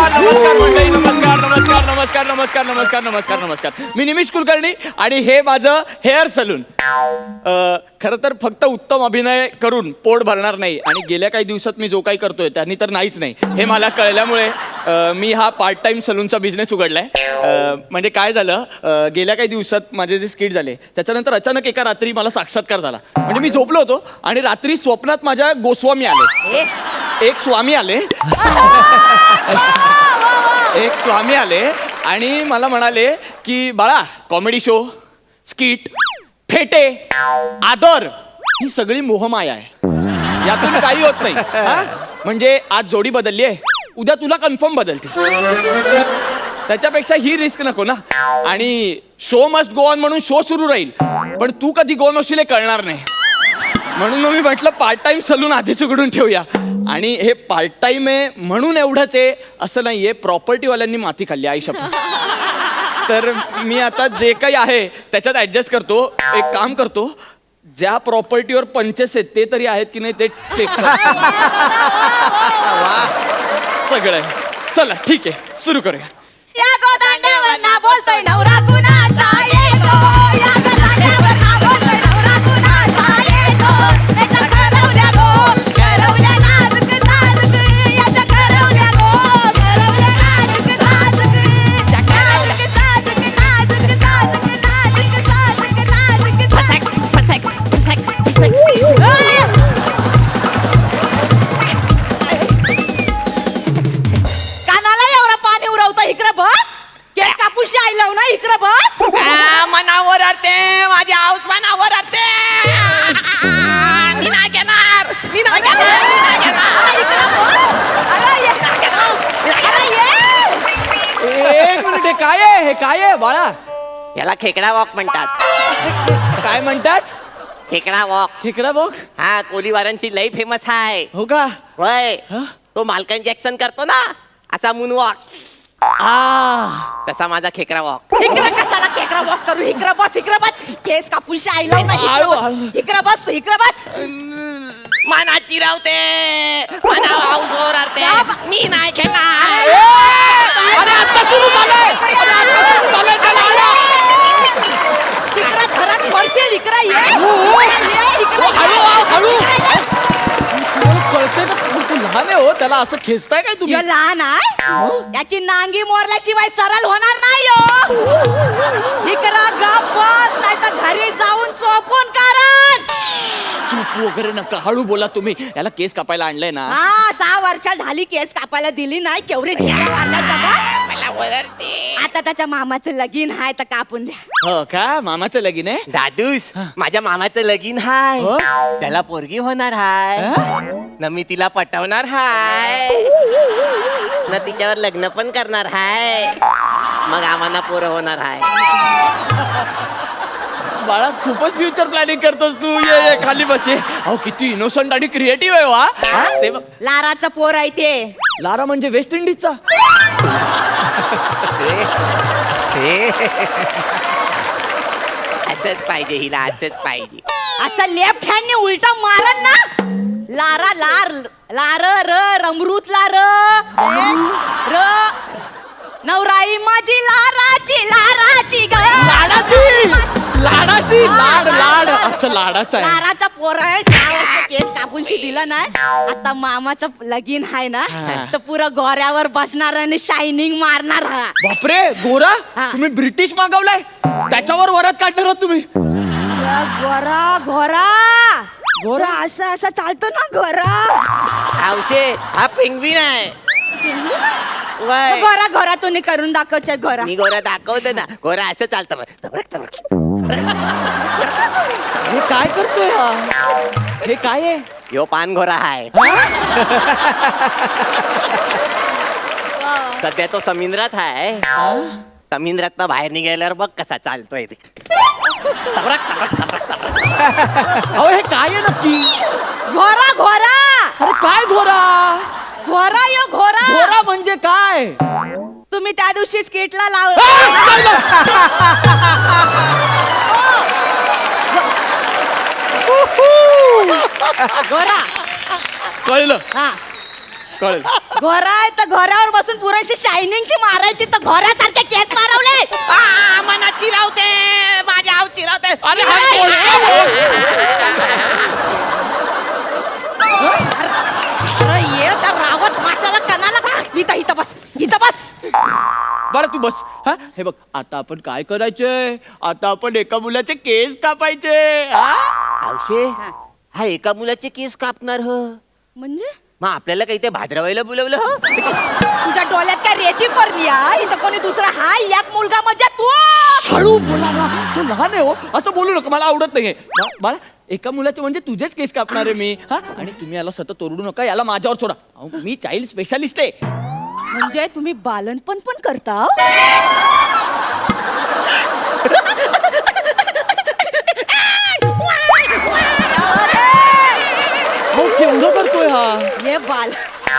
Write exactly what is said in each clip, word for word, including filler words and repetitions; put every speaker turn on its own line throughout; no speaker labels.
नमस्कार नमस्कार मंडळी, नमस्कार नमस्कार नमस्कार नमस्कार नमस्कार नमस्कार नमस्कार. मी निमिष कुलकर्णी आणि हे माझं हेअर सलून. खरं तर फक्त उत्तम अभिनय करून पोट भरणार नाही आणि गेल्या काही दिवसात मी जो काही करतोय त्यांनी तर नाहीच नाही हे मला कळल्यामुळे अ, मी हा पार्ट टाइम सलूनचा बिझनेस उघडलाय. अ, म्हणजे काय झालं, अ, गेल्या काही दिवसात माझे जे स्किट झाले त्याच्यानंतर अचानक एका रात्री मला साक्षात्कार झाला. म्हणजे मी झोपलो होतो आणि रात्री स्वप्नात माझ्या गोस्वामी आले, एक स्वामी आले एक स्वामी आले आणि मला म्हणाले की बाळा, कॉमेडी शो, स्किट, फेटे, आदर ही सगळी मोहमाया आहे, यातून काही होत नाही. हा? म्हणजे आज जोडी बदलली आहे, उद्या तुला कन्फर्म बदलते, त्याच्यापेक्षा ही रिस्क नको ना. आणि शो मस्ट गो ऑन म्हणून शो सुरू राहील, पण तू कधी गो नसशील हे कळणार नाही. म्हणून मग मी म्हटलं पार्ट टाइम सलून आधीच उघडून ठेवूया. आणि हे पार्ट टाइम आहे म्हणून एवढंच आहे असं नाहीये, प्रॉपर्टीवाल्यांनी माती खाल्ली आई शपथ. तर मी आता जे काही आहे त्याच्यात ऍडजस्ट करतो. एक काम करतो, ज्या प्रॉपर्टीवर पंचेस आहेत ते तरी आहेत की नाही ते चेक सगळं. चला ठीक आहे, सुरू करूया.
या गोदांड्यावर ना बोलतोय नवरा कुणाचा येतो, या गोदांड्यावर ना बोलतोय नवरा कुणाचा येतो. याच्या करवल्या गो, करवल्या नाजूक साजूक, याच्या करवल्या गो, करवल्या नाजूक साजूक, नाजूक साजूक, नाजूक साजूक, नाजूक साजूक, नाजूक फसक फसक फसक फसक. कानाला एवढा पाणी उरवता, इकडे बस. केस कापूशी आई लाव ना, इकडे बस.
मनावर आरते, माझ्या हाऊस मनावर आरते. मी नाही घेणार, मी नाही घेणार, मी नाही घेणार.
इकडे बस. अरे ये, अरे ये.
एक मिनिट, हे काय आहे, हे काय आहे बाळा?
याला खेकडा वॉक म्हणतात.
काय म्हणतात?
खेकडा वॉक.
खेकडा बघ.
हा, कोलीवारांची लई फेमस आहे.
हो का?
होय,
हं?
तो मालकन जॅक्सन करतो ना असा मून वॉक,
आ
तसा माझा खेकडा वॉक.
इकडे कशाला केकडा वॉक करू, इकडे बस, इकडे बस. केस कापूशी आई लाव ना, इकडे
हळू,
बस.
हळू.
इकडे बस तू, इकडे बस.
मना चिरावते, मना हाऊसवर आरते. मी नाही घेणार.
अरे आता सुरू झालंय. अरे आता सुरू झालंय, चला, आला.
इकडे घरात पडशील, इकडे ये.
हो.
ये, इकडे
हळू,
ये.
हळू.
इकडे ये.
तुम्हाला कळतंय का? तू लहान आहे हो, त्याला असं खेचताय काय तुम्ही?
यो लहान आहे, याची नांगी मोरल्याशिवाय सरळ होणार नाही हो. इकडे गप बस, नाही तर घरी जाऊन चोपून कारण.
चूप वगैरे नका, हळू बोला तुम्ही. याला केस कापायला आणलंय ना.
हा, सहा वर्ष झाली केस कापायला दिली नाही, केवढे झेंडा मारला बाबा.
मला ओरडते.
आता त्याच्या मामाचं लगीन आहे तर कापून द्या.
हो का? मामाचं लगीन आहे?
दादूस, माझ्या मामाचं लगीन हाय,
हो?
त्याला पोरगी होणार हाय,
हं?
न मी तिला पटवणार हाय, न तिच्यावर लग्न पण करणार हाय, मग आम्हाला पोरं होणार हाय.
बाळा, खूपच फ्युचर प्लॅनिंग करतोस तू. ये ये खाली बस. ये. अहो किती इनोसंट आणि क्रिएटिव्ह आहे वा. ते बघ.
लाराचं पोर आहे ते.
लारा म्हणजे वेस्ट इंडिजचा.
असंच पाहिजे हिला, असंच पाहिजे.
असं लेफ्ट हँडने उलटा मारन ना, लारा लार लार र रमरूत लार र नवराई माझी लाराची लाराची ग.
लाडाची लाडाची लाड लाड अच्छा लाडाचा आहे.
लाराचा पोर आहे, सहा वर्ष केस कापूनशी दिला नाही. आता मामाचं लगीन आहे ना,
हा.
तर पुरं गोऱ्यावर बसणार आणि शायनिंग मारणार हा.
बापरे, गोरा
हा.
तुम्ही ब्रिटिश मागवलाय, त्याच्यावर वरात काढणार आहात तुम्ही.
गोरा घोरा घोरा असं असं चालतो ना घोरा.
आवशे, हा पेंग्विन आहे. वय,
घोरा घोरा तुम्ही करून दाखवचे घोरा.
मी गोरा दाखवतो ना, गोरा असं चालतं बघ. तबरक, तबरक.
हे काय करतोय हा? हे काय आहे?
यो पान घोरा हाय. सध्या तो समुद्रात हाय. समुद्रात बाहेर निघाल्यावर बघ कसा चालतोय ते. तबरक, तबरक, तबरक, तबरक.
अहो हे काय आहे नक्की?
घोरा घोरा
अरे काय घोरा?
घोरा यो घोरा.
घोरा म्हणजे काय?
तुम्ही त्या दिवशी स्किटला लाव. घोरा.
कळलं
हा
कळलं.
घोरा आहे तर घोऱ्यावर बसून पुरेशी शायनिंगची मारायची तर घोऱ्यासारखे केस मारवले.
आ, मना चिरावते माझ्या आव चिरावते.
अरे हा कोणता हो?
अरे ये तर रावस माशाला कणाला का इथं इथं बस इथं बस.
बाळा तू बस. हा हे बघ आता आपण काय करायचंय, आता आपण एका मुलाचे केस कापायचे. हा?
आवशे हा एका मुलाचे केस कापणार हो.
म्हणजे
मग आपल्याला काही ते भाद्रवायला बोलवलं हो.
तुझ्या डोळ्यात काय रेती पडली हा? इथं कोणी दुसरा हा यात मुलगा म्हणजे तू.
हळू बोला ना, तू लहान आहे हो, असं बोलू नका, मला आवडत नाहीये. बा- बाळा एका मुलाचे म्हणजे तुझेच केस कापणार आहे मी. हा आणि तुम्ही याला सतत ओरडू नका, याला माझ्यावर सोडा. अहो, मी चाइल्ड स्पेशालिस्ट आहे.
म्हणजे तुम्ही बालनपण पण करता.
हो केवढं करतोय हा.
हे बाल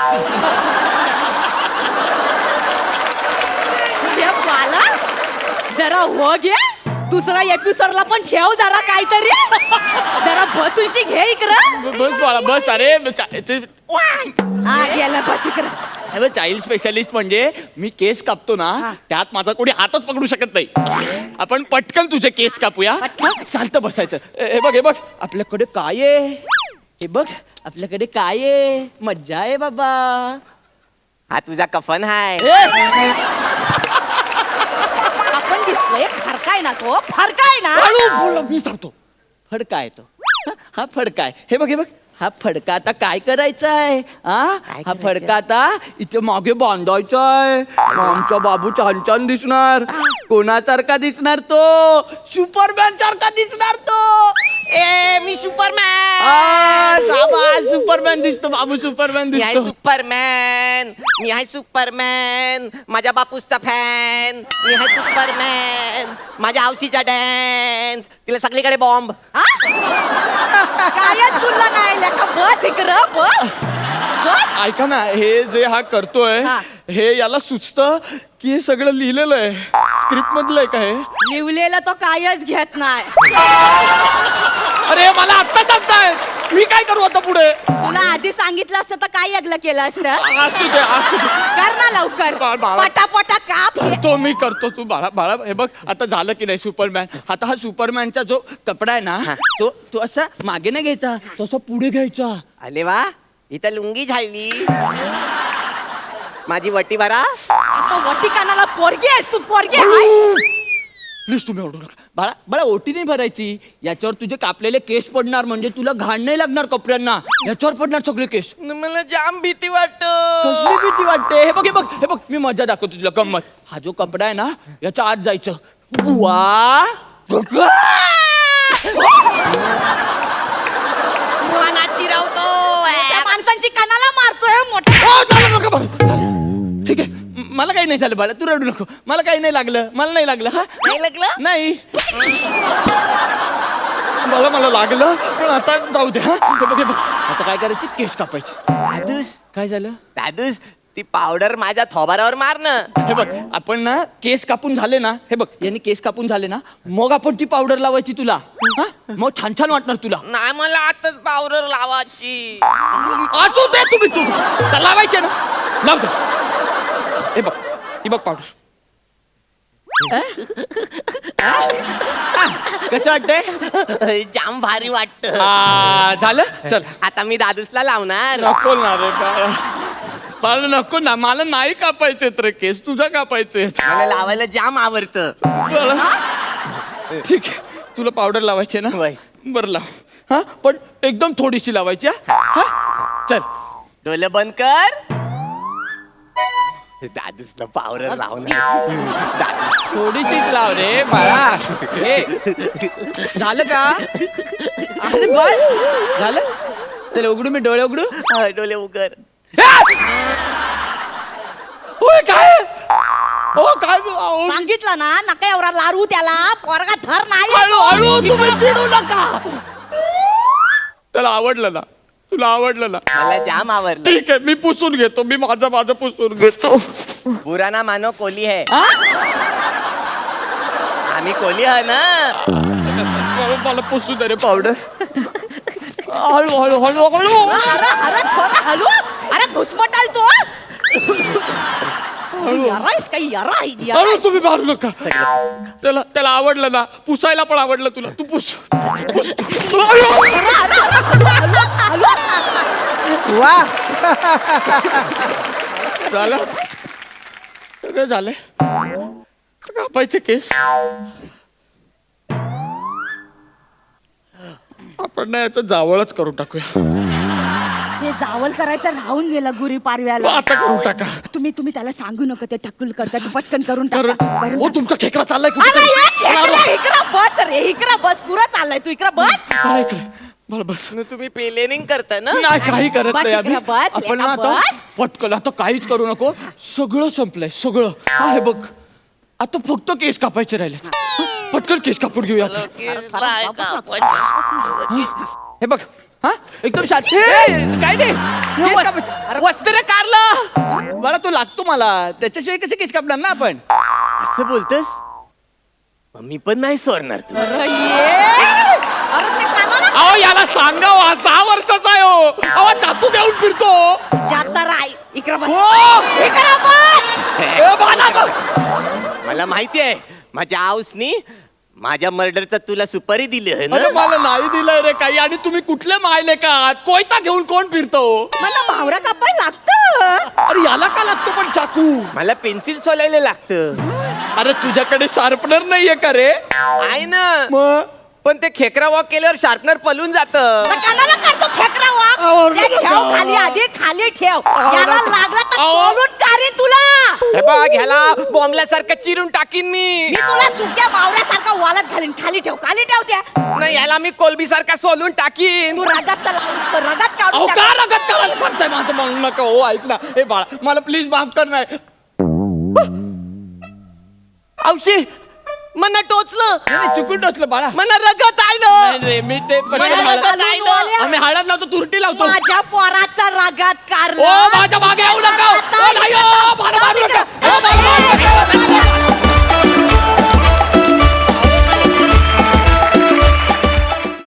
हे बाला जरा हो घे. दुसरा एपिसोडला पण ठेव जरा काहीतरी. जरा बसूनशी घे इकडं.
ब- बस बाळा बस. अरे
हा गेला बस इकडं.
चाइल्ड स्पेशालिस्ट म्हणजे मी केस कापतो ना,
हा.
त्यात माझा कोणी हातच पकडू शकत नाही. आपण पटकन तुझे केस कापूया.
पटकन?
शांत बसायचं. ए- हे बघ हे बघ आपल्याकडे काय आहे, हे बघ आपल्याकडे काय आहे. मज्जा आहे बाबा.
हा तुझा कफन हाय.
ए,
आपण दिसतोय फरकाय ना तो फरकाय ना.
हळू बोल, मी सांगतो. फडका आहे तो. हा, हा फडका आहे. हे बघ हे बघ हा फडका आता काय करायचा आहे. हा हा
करायचं?
फडका आता इथे मागे बांधायचा आहे. आमचा बाबू छान छान दिसणार. कोणासारखा दिसणार तो, सुपरमॅन सारखा दिसणार तो.
ए मी सुपरमॅन.
आ, शाबास, सुपरमॅन दिसतो बाबू, सुपरमॅन
मी आहे
दिसतो.
सुपरमॅन. मी आहे सुपरमॅन. माझ्या बापूसचा फॅन. मी आहे सुपरमॅन. माझ्या आवशीचा डॅन्स. तिला सगळीकडे बॉम्ब.
हा? काय तुला नाही लेका बस इकडं बस बस.
ऐका ना, हे जे हा करतोय
हा.
हे याला सुचतं की हे सगळं लिहिलेलं आहे स्क्रिप्ट मधलं आहे का हे.
लिवलेला तो कायच घेत नाही.
अरे मला आत्ता सांगताय, मी काय करू आता पुढे.
तुला आधी सांगितलं असतं तर काय अगलं केलं असतं.
असू दे असू दे.
कर ना लवकर
बा- बाळा.
पटापटा काप.
करतो मी करतो. तू बाळा बाळा हे बघ आता झालं की नाही सुपरमॅन. आता हा सुपरमॅनचा जो कपडा आहे ना, तो तो असा मागे नाही घ्यायचा, तो असा पुढे घ्यायचा.
अरे वा इथं लुंगी झाली. माझी वटी भरा.
आता वटी कानाला पोरगी आहेस तू पोरगी आहे.
प्लीज तुम्ही ओढू नका. बाळा बाळा ओटी नाही भरायची. याच्यावर तुझे कापलेले केस पडणार, म्हणजे तुला घाण नाही लागणार कपड्यांना. याच्यावर पडणार सगळे केस.
मला जाम भीती वाटत.
कसली भीती वाटते. हे बघ हे बघ हे बघ मी मजा दाखवतो तुला गंमत. हा जो कपडा आहे ना, याच्या आत जायचं. बुवा
त्या माणसांची कानाला मारतोय मोठा.
ओ, झालं नका बाबा. झालं. ठीक आहे म- मला काही नाही झालं बाळा, तू रडू नको. मला काही नाही लागलं, मला नाही लागलं. हा
नाही लागलं?
नाही. मला मला लागलं पण आता जाऊ दे. हा हे बघ हे बघ आता काय करायचं, केस कापायचे.
दादूस
काय झालं.
दादूस ती पावडर माझ्या थोबारावर मार ना.
हे बघ आपण ना केस कापून झाले ना, हे बघ यांनी केस कापून झाले ना, मग आपण ती पावडर लावायची तुला. हा मग छान छान वाटणार तुला.
नाही मला आताच पावडर लावायची.
असू दे तुम्ही तू तर लावायचे ना, लाव दे. हे बघ ही बघ पावडर. कसं वाटतंय.
जाम भारी वाटत.
आ, झालं चल.
आता मी दादूसला लावणार.
नको ना रे बाळा, बाळा नको ना, मला नाही कापायचे तर केस, तुझा कापायचे.
मला लावायला जाम आवडत.
ठीक आहे तुला पावडर लावायची ना,
वय.
बरं लाव. हा पण एकदम थोडीशी लावायची. हा हा? चल.
डोलं बंद कर. दादूसला पावडर लावणार. दादूस
थोडीशीच लाव रे बाळा. हे झालं का. अरे बस झालं. चल उघडू मी डोळे उघडू.
हा, डोले उघड.
ओय काय ओ काय ओ,
सांगितलं ना नका एवढा लारू त्याला पोरगा धर नाही.
हळू हळू तुम्ही चिडू नका. त्याला आवडलं ना, तुला आवडलं ना,
मला जाम आवडलं.
ठीक आहे मी पुसून घेतो. मी माझं माझं पुसून घेतो.
बुरा ना मानो कोली है.
हा?
आम्ही कोली आहे ना.
मला- मला पुसू दे रे पावडर. हळू हळू हळू हळू.
अरे अरे थोडा हलू. अरे घुसमटाल तू. यारायस काही यारा
हळू तुम्ही मारू नका त्याला त्याला आवडलं ना पुसायला पण आवडलं तुला तू पुस पुस.
वा
झालं सगळं झालंय कापायचे केस आपण ना याचं जावळच करून टाकूया
हे जावल करायचं राहून गेलं गुरी पारव्याला
आता करून टाका
तुम्ही तुम्ही त्याला सांगू नका ते टक्कल करता तू पटकन करून टाका
कारण
करून
हो
टाका.
तुमचा खेकडा चाललाय
अरे
कुठेतरी.
ये खेकडा, इकडं बस रे इकडं बस पुरा चाललाय तू इकडं बस
काय इकडे? बरं बस
तुम्ही प्लेनिंग करता ना
नाही काही करत
बस
नाही आम्ही
इकडे बस,
आपण ना
लेका
आता
बस.
पटकन आता काहीच करू नको सगळं संपलंय सगळं हा हे बघ आता फक्त केस कापायचे राहिले पटकन केस कापून घेऊया आता. हे बघ हा एकदम शांत ए, काय नाही केस कापायचे. वस्त्र कारलं मला तो लागतो मला त्याच्याशिवाय कसे केस कापणार ना आपण
असं बोलतोस मी पण नाही सोडणार तू
अरे ये अरे ते कानाला
अहो याला सांगा हो, हा सहा वर्षाचा आहे हो अहो चाकू घेऊन फिरतो
जाता राय इकडं बस
हो.
इकडं बस
ए, बाळा, बस.
मला माहिती आहे माझ्या आऊसनी माझ्या मर्डरचा तुला सुपारी दिली आहे
अरे
ना
मला नाही दिलंय रे काही आणि तुम्ही कुठले मायले का कोयता घेऊन कोण फिरतो
मला भावरा कापायला लागतं
अरे याला का लागतो पण चाकू
मला पेन्सिल सोलायला लागतं
अरे तुझ्याकडे शार्पनर नाहीये का रे
आहे ना
मग
पण ते खेकरा वॉक केल्यावर शार्पनर पलून जात
तर कानाला करतो खेकडा वाघ
आवडलं
ते ठेव
का?
खाली आधी खाली ठेव
आवडलं
याला
का?
लागला तर
आव-
बोलून काढीन तुला
हे बघ ह्याला बॉम्बल्यासारखं चिरून टाकीन मी
मी तुला सुक्या मावऱ्यासारखा वालत घालीन खाली ठेव खाली ठेव त्या
नाही ह्याला मी कोलबी सारखा सोलून टाकीन
तू रगात तर लावून नको, रगात
अहो
काढून
का
टाक.
रगत करायला सांगताय माझं म्हणू नका हो ऐक ना हे बाळा मला प्लीज माफ कर नाही
औशी मना टोचलं
नाही, चुकून टोचलं बाळा
मना रगत
नाही
आलं
रे मी ते पण
मला
हळद-
रगत आलं.
आम्ही हळद लावतो तुरटी लावतो
माझ्या पोराचा रगात
ओ
कारला
माझ्या मागे येऊ नका ओ, नाही, ओ, मला मारू